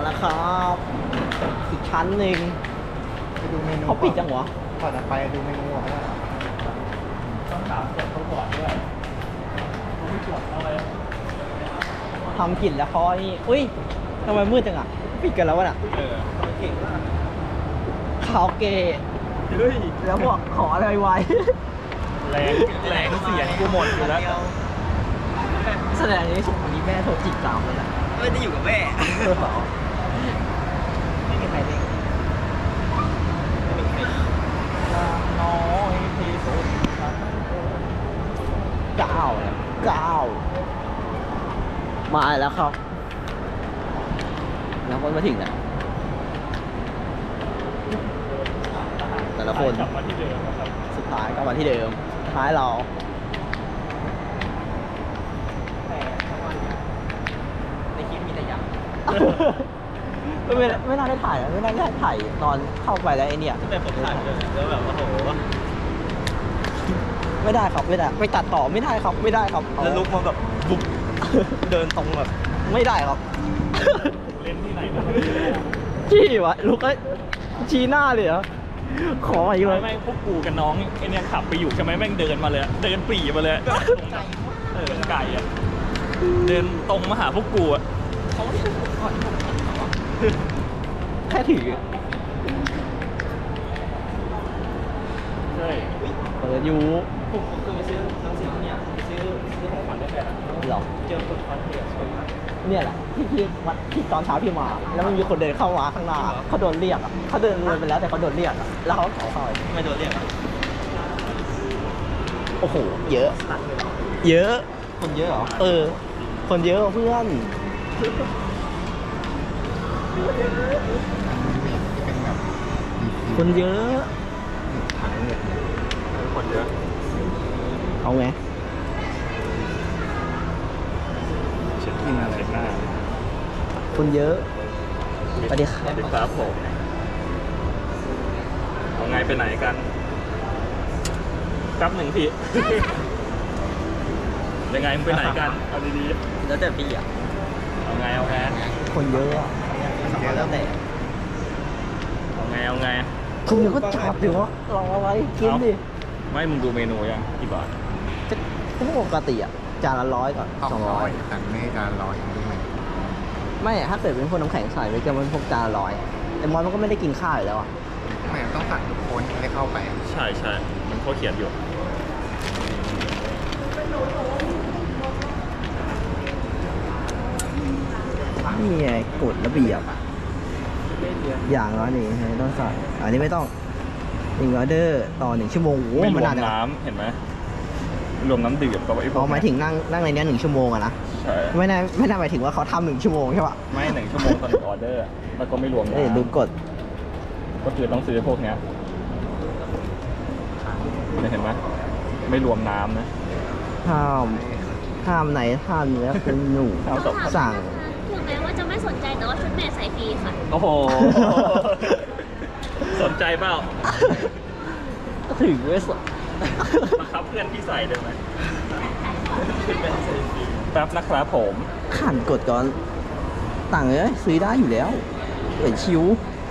แล้วครับอีกชั้นหนึ่งไปดูเมนูเขาปิดจังวะก่อนจะไปดูเมนูก่อนว่าต้องถามเสร็จเขาก่อนด้วยเขาไม่ตรวจเอาเลยทำกลิ่นแล้วเขาไอ้นี่อุ้ยทำไมมืดจังอ่ะปิดกันแล้ววะน่ะเก่งมากคาราโอเกะเฮ้ยแล้วบอกขออะไรไว้แรงเสียงกูหมดอยู่แล้วแสดงนี้สมวันนี้แม่โทรจิกตามเลยนะไม่ได้อยู่กับแม่ไม่มีใครเล่นน้อยที่สุด9มาแล้วครับ แล้วคนมาถึงนะแต่ละคนกลับมาที่เดิมนะครับสุดท้ายก็มาที่เดิมท้ายเราในคลิปมีแต่ยักษ์ ไม่น่าได้ถ่ายนะไม่น่าได้ถ่ายตอนเข้าไปแล้วไอเนี่ยแต่ผมถ่ายเลยแล้วแบบว่าโอ้โหไม่ได้ครับไม่ได้ไม่ตัดต่อไม่ได้ครับไม่ได้ครับแล้วลุกมาแบบบุบเดินตรงแบบไม่ได้ครับเล่นที่ไหนนะชี้วะลูกก็ชี้หน้าเลยเหรอขออีกเลยแม่งพวกกูกับน้องไอเนี่ยขับไปอยู่ใช่ไหมแม่งเดินมาเลยเดินปรีมาเลยไก่อะเดินตรงมาหาพวกกูอะแค่ถือใช่เปิดอยู่ผมเคยไปซื้อหนังสือเนี่ยซื้อของขวัญได้แบบหรอเจอคนคอนเทนต์สวยมากเนี่ยแหละที่วัดที่ตอนเช้าพี่มา แล้วมันมีคนเดินเข้ามาข้างหน้าเขาโดนเรียกอ่ะเขาเดินเลยไปแล้วแต่เขาโดนเรียกอ่ะแล้วเขาขอเข้าไม่โดนเรียกอะโอ้โหเยอะ เยอะคนเยอะเหรอเออ คนเยอะเพื่อนเป็นแบบคนเยอะถังเนี่ยคนเยอะเอาไงเช็ดกินอะไรหน้าคนเยอะสวัสดีครับสวัสดีครับผมเอาไงไปไหนกันแป๊บหนึ่งพี่ ยังไงมึงไปไหนกันเอาดีแล้วแต่พี่อ่ะๆเอาไงเอาไงคนเยอะอ่ะแล้วแต่เอาไงเอาไงคุณเดี๋ยวก็จับดิวะรออะไรกินดิไม่มึงดูเมนูยังกี่บาทก็ปกติอ่ะจานละ100ก่อน 200สั่งไม่จาน100อย่างนี้ไหมไม่ถ้าเกิดเป็นพวกน้ำแข็งใส่ไปจะมันพวกจานละ100แต่มอนมันก็ไม่ได้กินข้าวอยู่แล้วอ่ะไม่ต้องสั่งทุกคนไม่ได้เข้าไปใช่ใช่มันเขาเขียนอยู่นี่ไงกฎระเบียบอย่างละนี่ต้องใส่อันนี้ไม่ต้อง1ออเดอร์ต่อ1ชั่วโมงโอ้ไม่รมันวมนานจังน้ำเห็นไหมรวมน้ำดื่มกับไอ้พวอ๋กอหมายถึงนั่งในเนี้ย1ชั่วโมงอะนะใช่ไม่ได้หมายถึงว่าเขาทำ1ชั่วโมงใช่ปะไม่1 ชั่วโมงต่อ1 ออเดอร์แล้วก็ไม่รวมเอ้ยดูน้ำกฎก็คือต้องซื้อพวกเนี้ยเห็นไหมไม่รวมน้ำนะห้ามไหนห้ามเนื้อคุณหนูข้าวตกสั่งถึงแม้ว่าจะไม่สนใจแต่ว่าชุดเมย์ใส่ฟรีค่ะโอ้โห สนใจเปล่าถึงไม่สนบังคับเพื่อนพี่ใส่ได้ไหมแป๊บนะครับผมขันกฎก่อนต่างเลยซื้อได้อยู่แล้วเอ้ยชิว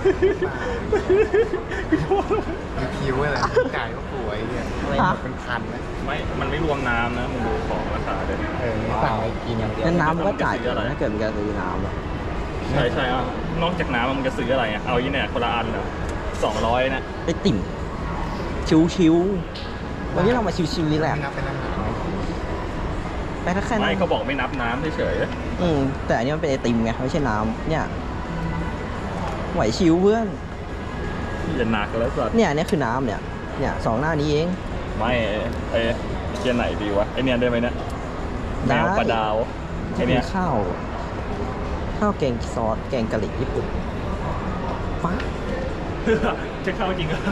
มีคิวอะไรจ่ายก็ป่วยเนี่ยอะไรหมดเป็นพันนะไม่ มันไม่รวมน้ำนะมึงดูของราคาเลยมีสั่งอะไรกินอย่างเดียวงั้นน้ำมันก็จ่ายซื้ออะไรถ้าเกิดมีการซื้อน้ำอะใช่ใช่อ่ะนอกจากน้ำมันจะซื้ออะไรอ่ะ เอายี่เนี่ยคนละอันอ่ะ200นะไอติ่มชิวๆวันนี้เรามาชิวๆนี่แหละไม่นับเป็นอาหารไหมไปแค่นั้ไม่นเขาบอกไม่นับน้ำเฉยแต่อันนี้มันเป็นไอติมไงไม่ใช่น้ำเนี่ยไหวชิวเพื่อนๆอย่าหนักแล้วสัตว์เนี่ยอันนี้คือน้ำเนี่ยสองหน้านี้เองไม่ไอ้เชียร์ไหนดีวะไอเนี่ยได้ไหมเนี่ยแมได้วปลาดาวไอจะเป็เนี่นยข้าวแกงซอสแกงกะหรี่ญี่ปุ่นป๊าจะเข้าจริงเหรอ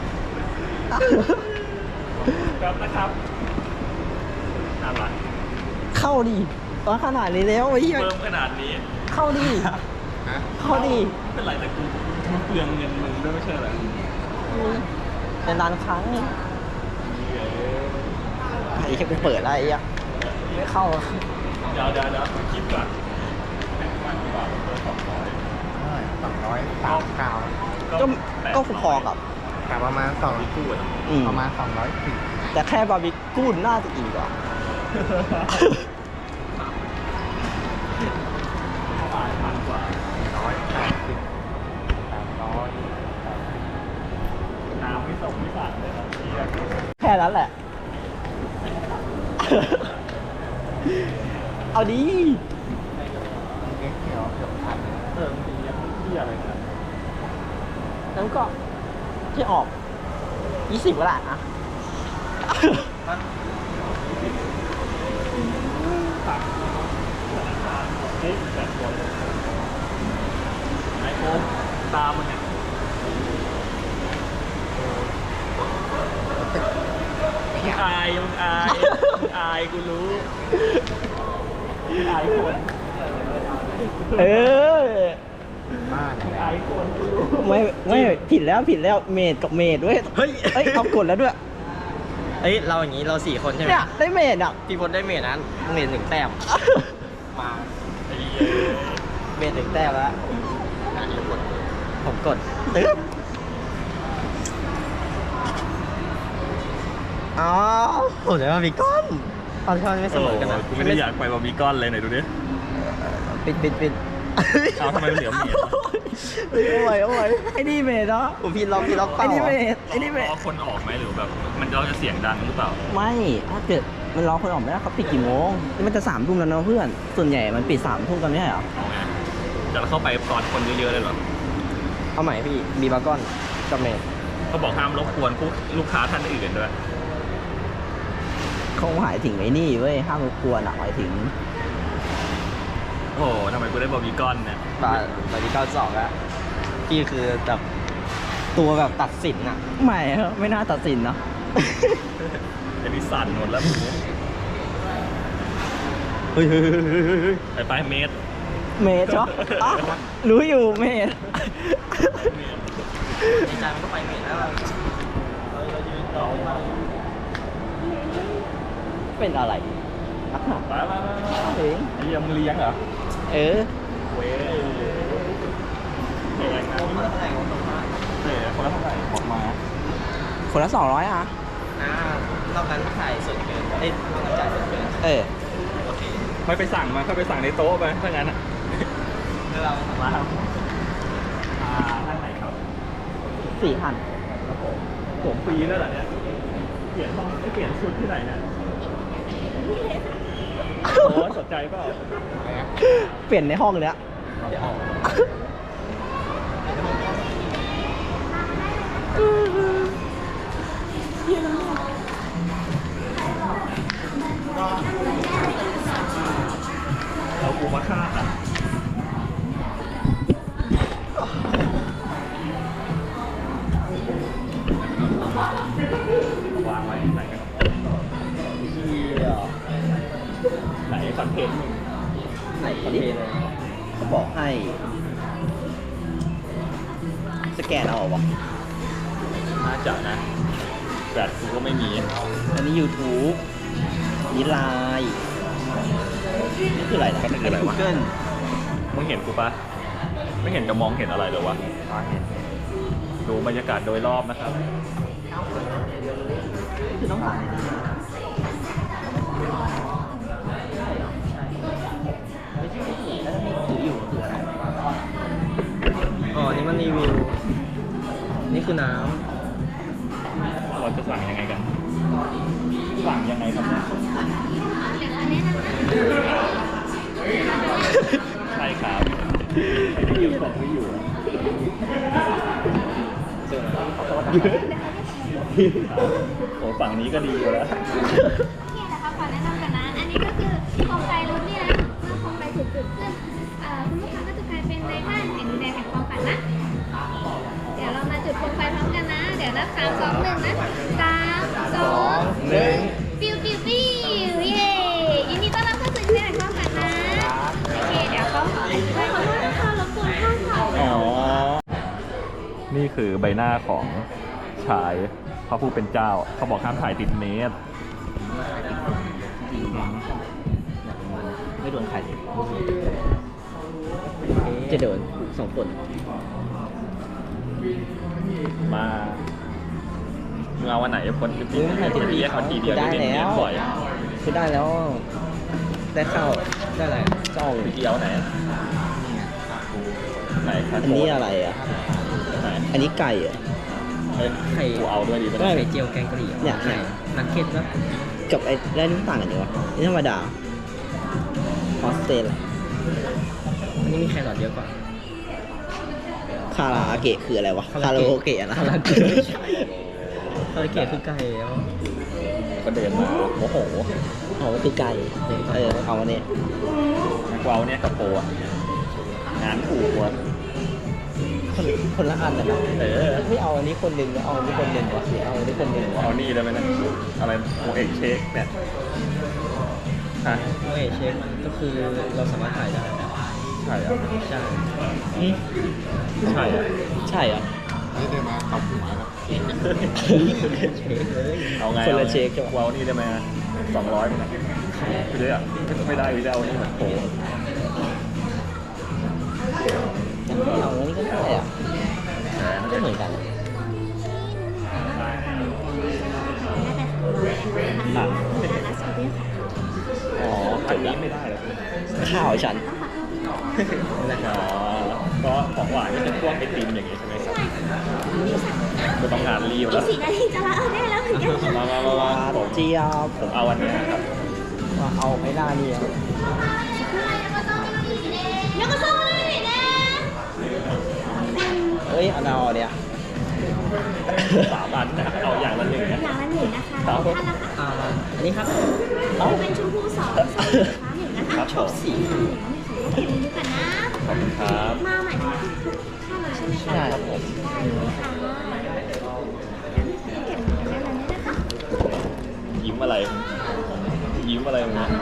ครับนะครับน่ารักเข้าดิตอนขนาดนี้แล้วไอ้เหี้ยเพิ่มขนาดนี้เข้าดิฮะเข้าดิไม่เป็นไรแต่กูเปลืองเงินมึงด้วยไม่ใช่เหรอเป็นนานครั้งไอ้แค่กูเปิดอะไรอ่ะไม่เข้าเดี๋ยวคิดก่อน1,000 กว่าบาทเพิ่ม200 ก็พอกับแต่ประมาณ2 กู้อะประมาณ210 แต่แค่บาร์บีคิวน่าจะอีกอ่ะพันกว่า 180 800 น้ำไม่ส่งไม่สั่งเลยครับแค่นั้นแหละ เอาดีเก๊กเขียวเกือบพันมีที่อะไรนะแล้วก็ที่ออก 20ก็ได้อะเฮ้ยแบบคนไอโฟนตามมันเนี่ยมึงอายกูรู้มึงอายคนเออบ้านเนี่ยอายคนกูรู้ไม่ผิดแล้วเมดกับเมดเว้ย เฮ้ยเอากดแล้วด้วยเอ้ยเราอย่างนี้เรา4 คนใช่ไหมเนี่ยได้เมดอ่ะพี่พลได้เมทนั้นเมท1 แต้มมาเมท1 แต้มแล้วผมกดตึ๊บอ๋อผมจะว่ามีก้อนตอนที่มันไม่เสมอกันนะกูไม่ได้อยากไปบาร์บีคอนเลยไหนดูดิปิดเอาทำไมมันเหลือเมดเอาไว้ไอ้นี่เมดเนาะผมพี่ล็อกเปไอ้ล่านี่เมดไอ้นี่เมดรอคนออกไหมหรือแบบมันเราจะเสียงดังหรือเปล่าไม่ถ้าเกิดมันรอคนออกไม่ได้เขาปิดกี่โมงนี่มันจะ3 ทุ่มแล้วนะเพื่อน ส่วนใหญ่มันปิด3 ทุ่มกันไม่ใช่เหรอเอาไงจะเข้าไปตอนคนเยอะๆเลยเหรอเอาใหม่พี่มีบาร์กอนกับเมทเขาบอกห้ามรบกวนลูกค้าท่านอื่นด้วยเขาหมายถึงไอ้นี่เว้ยห้ามรบกวนอ่ะหมายถึงโอ้โหทำไมกูได้บาร์บีคอนเนี่ยบาร์ที่92แล้วพี่คือแบบตัวแบบตัดสินอะไม่น่าตัดสินเนาะไอ้นี่สั่นหมดแล้วเฮ้ยไปเมตรเมดใช่ปะอ๋อรู้อยู่เมดในใจมันก็ไปเมทแล้วเป็นอะไรไปเองเลี้ยงมึงเลี้ยงเหรอเออเว้ยแพงนะคนละเท่าไหร่บอกมาคนละ200อ่ะรอบนั้นถ่ายส่วนเกินเอ้ยรอบนั้นจ่ายส่วนเกินเออโอเคไม่ไปสั่งมาเข้าไปสั่งในโต๊ะไปถ้างั้นอ่ะคือเรามาครับท่านไหนครับ 4,000 ผมฟรีแล้วเหรอเนี่ยเปลี่ยนห้องไม่เปลี่ยนชุดที่ไหนเนี่ยโอ้สนใจเปล่าเปลี่ยนในห้องเนี้ยเอากูมาฆ่าอ่ะวางไว้ไหนกันไหนคอนเทนต์มึงไหนดิเขาบอกให้ สแกนเอาวะน่าจะนะแบตกูก็ไม่มีอันนี้ YouTube นี่ไลน์นี่คืออะไรนะก็คืออะไรวะ Google มึงเห็นกูปะไม่เห็นจะมองเห็นอะไรเลยวะดูบรรยากาศโดยรอบนะครับคือต้องผ่านแล้วมีถืออยู่คืออะไรอ๋อ นี่มันรีวิว นี่คือน้เราจะสั่งยังไงกัน สั่งยังไงครับเนี่ยใช่ครับไม่อยู่ของไม่อยู่โอ้ฝั่งนี้ก็ดีอยู่แล้วโอเคนะคะขอแนะนำกันนะ อันนี้ก็คือโคมไฟรุ่นเนี่ยนะเมื่อโคมไฟถูกจุดขึ้นคุณลูกค้าก็จะกลายเป็นในบ้านแห่งดินแดนแห่งความฝันนะ เดี๋ยวเรามาจุดโคมไฟพร้อมกันนะ เดี๋ยวนับ3 2 1นะ3 2 1ปิ้วปิ้วปิ้วเย้ยินดีต้อนรับเข้าสู่ดินแดนแห่งความฝันนะ โอเค เดี๋ยวเขาขอโทษนะคะรบกวนข้างค่ะอ๋อ นี่คือใบหน้าของชายพระผู้เป็นเจ้า เขาบอกห้ามถ่ายติดเมตรไม่โดนใครจะโดน2 คนมามึงเอาวันไหนพ้นจะปีจะเรียกเขาทีเดียวได้เรียแล้กวบ่อยคือได้แล้ว ได้เข้าได้อะไรเจ้าทีเดียวไหนไหนครับอันนี้อะไรอ่ะไหนอันนี้ไก่อ่ะเฮ้ยไข่กูเอาด้วยดีไหมได้ไข่เจียวแกงกะหรี่เนี่ยไข่นักเก็ตปะกับไอ้ได้นี่มันต่างกันอยู่วะนี่ธรรมดาออสเตรเลียอันนี้มีแครอทเยอะกว่าคาราเกะคืออะไรวะ คาราโอเกะนะคาราเกะไม่ใช่คาราเกะคือไก่แล้วก็เดินมาโมโหอ๋อมันคือไก่เอาอันนี้กูเอาเนี่ยกับโปอะงานถูกว่ะคนละอันนะไม่เอาอันนี้คนหนึ่งเอาอันนี้คนหนึ่งวะหรือเอาอันนี้คนหนึ่งวะเอานี่ได้ไหมนะอะไรโมเอกเชคเนี่ยฮะโอเอเชฟก็คือเราสามารถถ่ายได้ใช่อ่ะใช่ใช่อ่ะใช่เหรอนี่ได้มาเอาหัวแล้วเชฟเลยเอาไงคนละเชคใช่ปะกูเอานี่ได้ไหม200มั้งคือได้อ่ะไม่ได้คือจะเอานี่เหมือนโปเอาอันนี้ก็ได้อ่ะก็เหมือนกันอ่ะอ๋ออันนี้ไม่ได้เลยข้าวฉันอ๋อก็ของหวานก็เป็นพวกไอติมอย่างงี้ใช่ไหมครับก็ต้องงานรีบอีแล้กว 4 นาทีจะละได้แล้วเหมือนกันผมเจียบผมเอาวันเนี้ยครับเอาไอ้หน้านี่อ่ะแล้วก็ต้องเลยนะเอ้ยเอาเอาเนี่ย 3 อันนะเอาอย่างละ1นะอย่างละ1นะคะแล้วท่านนะคะอันนี้ครับเป็นชมพู2 1นะคะชอบสี1นะคะดูกันนะขอบคุณครับมาใหม่ทุกท่านเลยใช่ไหมคะใช่ครับผมได้เลยค่ะเก็บได้เลยนะคะยิ้มอะไรยิ้มอะไรมึงเนี่ย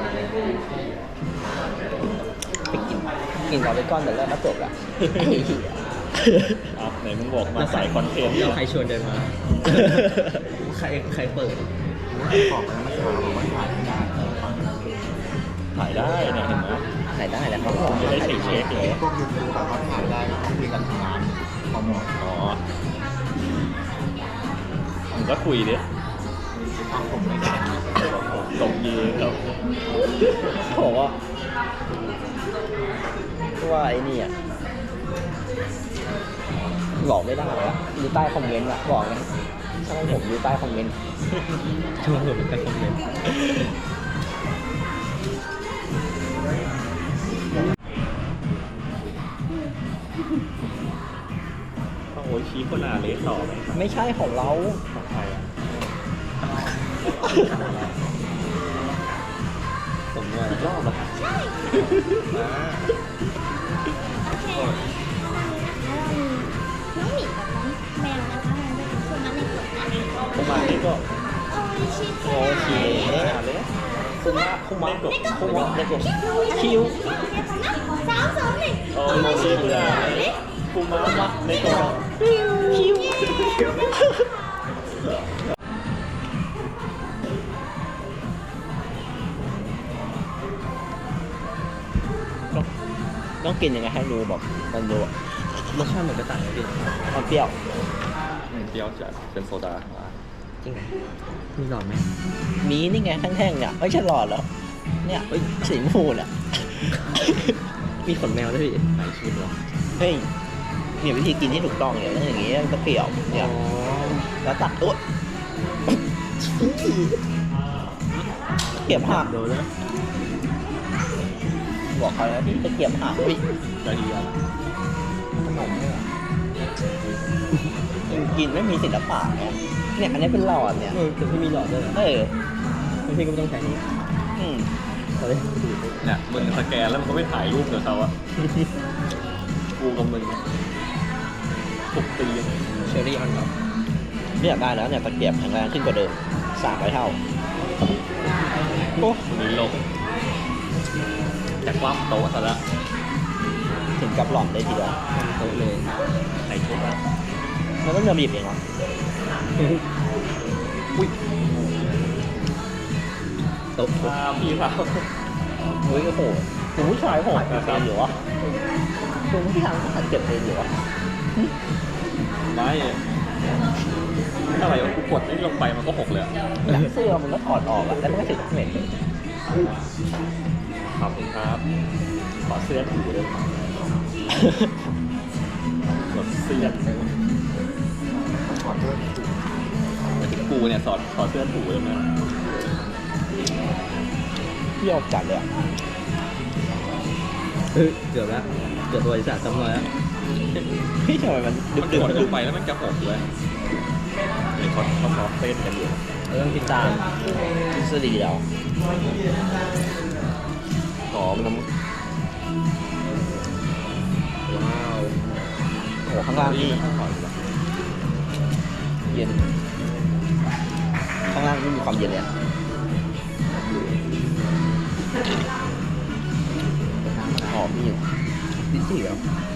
ไปกินเราไปก้อนแต่แรกก็จบละเอาไหนมึงบอกมาสายคอนเทนต์แล้วใครชวนเดินมา ใครเปิดบอกแล้วมันขาวบอกว่าถ่ายไม่ได้ถ่ายได้เนี่ยเห็นไหมถ่ายได้แหละครับไม่ได้เช็คเลยพวกยูทูบแบบเขาถ่ายได้ก็คุยกันทำงานพอหมดอ๋อมึงก็คุยดิทำผมไม่ได้ตรงยีครับเขาบอกว่าไอ้นี่อ่ะบอกไม่ได้แล้วอยู่ใต้คอมเมนต์อะบอกนะช่างผมอยู่ใต้คอมเมนต์ชวนผมไปคอมเมนต์โอ้ยชี้คนอาเลสต่อไหมไม่ใช่ของเราของใครอ่ะผมว่าอีกรอบละครับโอเคแล้วเรามีน้องหมีกับน้องแมวนะคะมันจะเป็นส่วนนั้นในกฎนะประมาณนี้ก็โอ้ยชิคโอเคอาเลสคุมะคุมะเล็กกว่าคุมะเล็กกว่าคิคิวว 3 2 1 โอ้ยชิคุระคุมะเล็กกว่าคิวต้องกินยังไงให้รู้บอกมันรู้อะรสชาติเหมือนกระต่ายเลยพี่มันเปรี้ยวเปรี้ยวจัดเป็นโซดาจริงเหรอมีหลอดไหมมีนี่ไงแท่งๆเนี่ยไม่ใช่หลอดเหรอเนี่ยเฮ้ยสีชมพูเนี่ยมีขนแมวด้วยพี่ไหนชิมเหรอเฮ้ยมีวิธีกินที่ถูกต้องเนี่ยต้องอย่างงี้มันเปรี้ยวเนี่ยแล้วตัดตัวเก็บหักโดนแล้วบอกเขาแล้วที่จะเก็บหักพี่ได้ดีอ่ะขนมเนี่ยกินไม่มีศิลปะเนี่ยอันนี้เป็นหลอดเนี่ยแต่พี่มีหลอดด้วยเหรอเอองั้นพี่ก็ไม่ต้องใช้นี้อืมเอาเลยเนี่ยมึงสแกนแล้วมึงก็ไม่ถ่ายรูปเดี๋ยวเขาอะกูกับมึง6 ปีเชอรี่ออนท็อปไม่อยากได้แล้วเนี่ยตะเกียบแข็งแรงขึ้นกว่าเดิม300 เท่าโอ้วันนี้ลงจากความโต๊ะซะแล้วถึงกับหลอมได้ทีเดียวโต๊ะเลยใส่ชุดแล้วมันต้องเดินบีบเองเหรออุ้ยโต๊ะพี่ครับเฮ้ยโอ้โหคุณผู้ชายผมเก็บเองอยู่วะคุณผู้ชายผมเก็บเองอยู่วะไม่อะไรวะกูกดนี่ลงไปมันก็หกเลยอะเสื้อมันก็ถอดออกอะแล้วมันก็ติดเหม็นขอบคุณครับขอเสื้อถูด้วยกดเสื้อขอเสื้อถูแต่ถึงกูเนี่ยขอเสื้อถูเลยนะเที่ยวจัดเลยอะเกือบแล้วเกือบบริษัทจำนวนแล้วเฮ้ยทำไมมันดึมันกกดลงไปแล้วมันจะหกเลยเดี๋ยวเขาซ้อมเต้นกันอยู่เรื่องกินตามทฤษฎีเราหอมน้ำว้าวโอ้ข้างล่างนี่เย็นข้างล่างนี่มีความเย็นเลยอะหอมนี่อยู่ดิสซี่เหรอ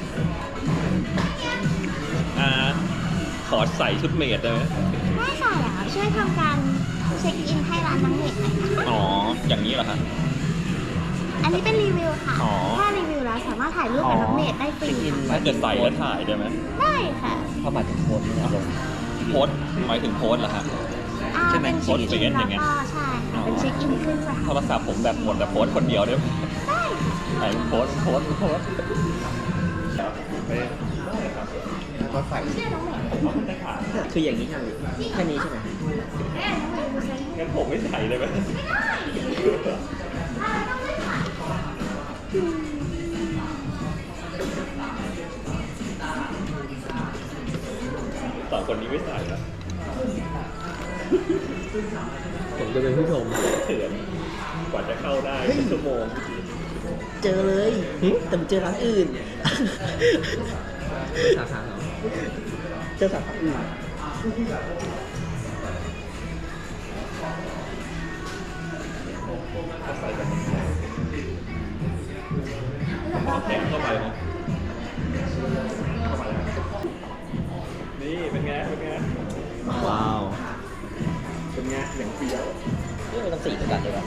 ขอใส่ชุดเมดได้ไหมไม่ใส่อ่ะช่วยทำการเช็คอินให้ร้านน้องเน็ตหน่อยนะคะอ๋ออย่างนี้เหรอฮะอันนี้เป็นรีวิวค่ะอ๋อถ้ารีวิวแล้วสามารถถ่ายรูปกับน้องเน็ตได้ฟรีเช็คอินถ้าเกิดใส่แล้วถ่ายได้ไหมได้ค่ะเข้ามาถึงโพสต์นี่ลงโพสต์หมายถึงโพสต์เหรอฮะใช่ไหมเป็นเช็คอินโพสต์เฟซอย่างเงี้ยแล้วก็ใช่ค่ะเป็นเช็คอินขึ้นสถานโทรศัพท์ผมแบบหมดแต่โพสต์คนเดียวได้ไหมได้ค่ะไหนโพสต์แล้วก็ใส่ชื่อน้องเน็ตคืออย่างนี้ใช่ไหมแค่นี้ใช่ไหมงั้นผมไม่ใส่เลยไหมสองคนนี้ไม่ใส่แล้วผมจะเป็นผู้ชมเถื่อนกว่าจะเข้าได้ชั่วโมงเจอเลยแต่มันเจอร้านอื่นสาขาเหรอเจอสาขาอื่นแถมเข้าไปนะนี่เป็นไงว้าวเป็นไงอย่างเฟี้ยวนี่มันต้องสีเหมือนกันเลยป่ะ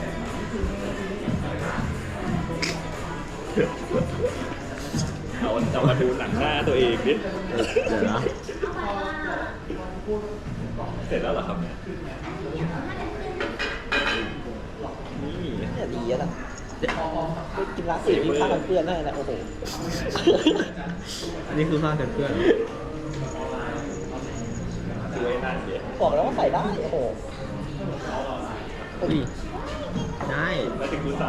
เอามาดูหนังหน้าตัวเองดิเดี๋ยวนะเสร็จแล้วเหรอครับเนี่ยนี่เนี่ยดีแล้วล่ะเดี๋ยวกินร้านอื่นมีผ้ากันเปื้อนได้นะโอ้โหอันนี้คือผ้ากันเปื้อนช่วยนั่นเดี๋ยวบอกแล้วว่าใส่ได้โอ้โหได้แล้วถึงกูใส่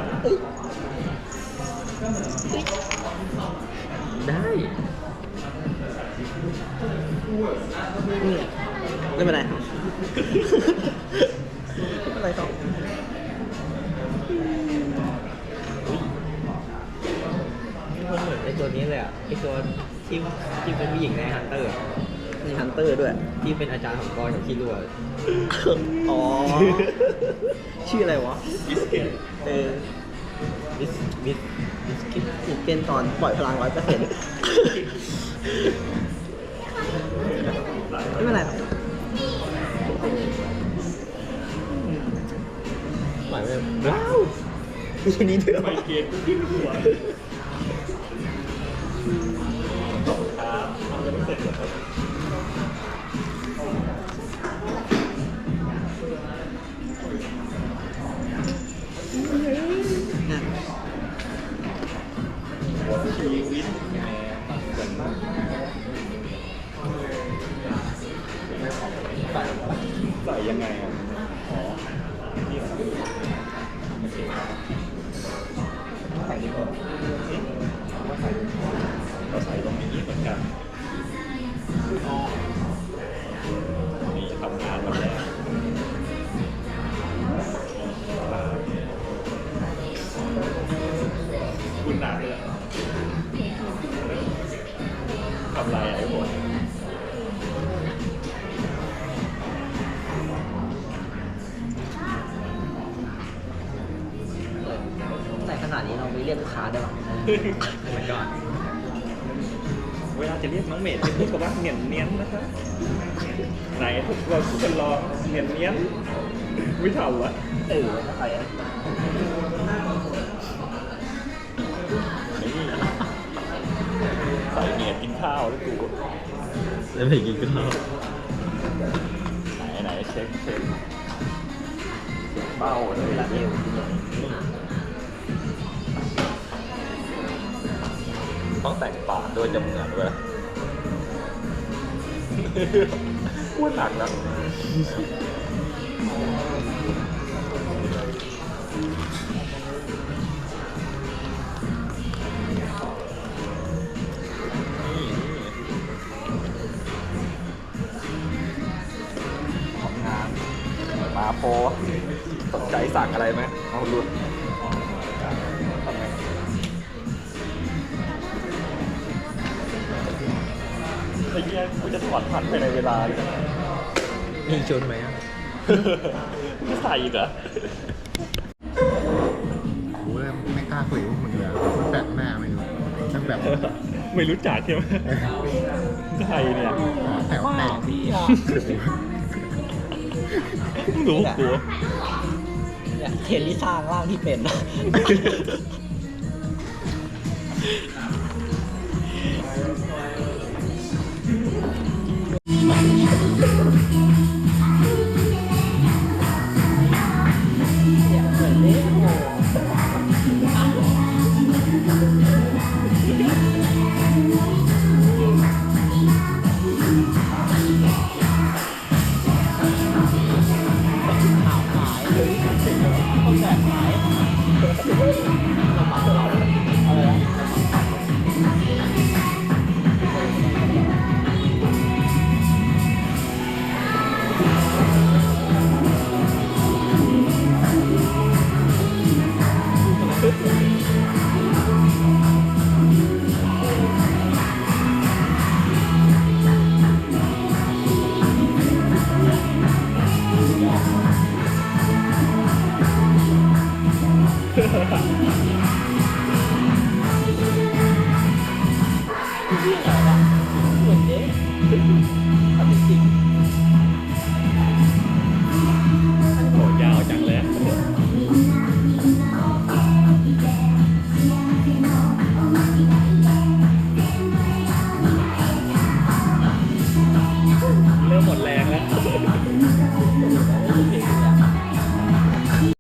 ได้ไม่เป็นไรครับไม่เป็นไรครับมันเหมือนไอตัวนี้เลยอ่ะไอตัวที่เป็นผู้หญิงในฮันเตอร์มีฮันเตอร์ด้วยที่เป็นอาจารย์ของกอยของคิรัวอ๋อชื่ออะไรวะบิสเกตบิสกิตเป็นตอนปล่อยพลัง 100%ไม่เป็นไรหรอกหมายไปว้าวทีนี้เดือดไมเกรนขึ้นหัวครับเอาจะไม่เสร็จเหรอครับชีวิตแม่ปักกันใส่ยังไงอ่ะอ๋อนี่เหรอโอเคใส่ดีกว่าเราใส่ตรงนี้เหมือนกันนี่ทำงานวันแรกคุณหนักเลยทำไรอ่ะไอ้หมดใส่ขนาดนี้เราไม่เรียกลูกค้าได้หรอมันก็เวลาจะเรียกน้องเมดจะพูดกับว่าเหนียนเนียนนะครับไหนทุกคนลองเหนียนเนียนไม่เท่าวะอะไรอ่ะนี่ใส่เหนียดกินข้าวแล้วกูแล้วไปกินข้าวไหนเช็คเบ้าเลยล่ะเนี่ยต้องแต่งปากด้วยจะเหมือนด้วยพูดหนักนะของงานมาโพสนใจสั่งอะไรไหมเอาลุ้นทำไงไอ้เหี้ยกูจะถอดพันไปในเวลาเลยมีชุดไหมไม่ใส่อีกเหรอกูเริ่มไม่กล้าคุยกับมึงเลยมันแปลกหน้าไม่รู้มันแบบไม่รู้จักใช่ไหมใครเนี่ยแถวแตกรู้กูเนี่ยเทนที่สร้างร่างที่เป็นเ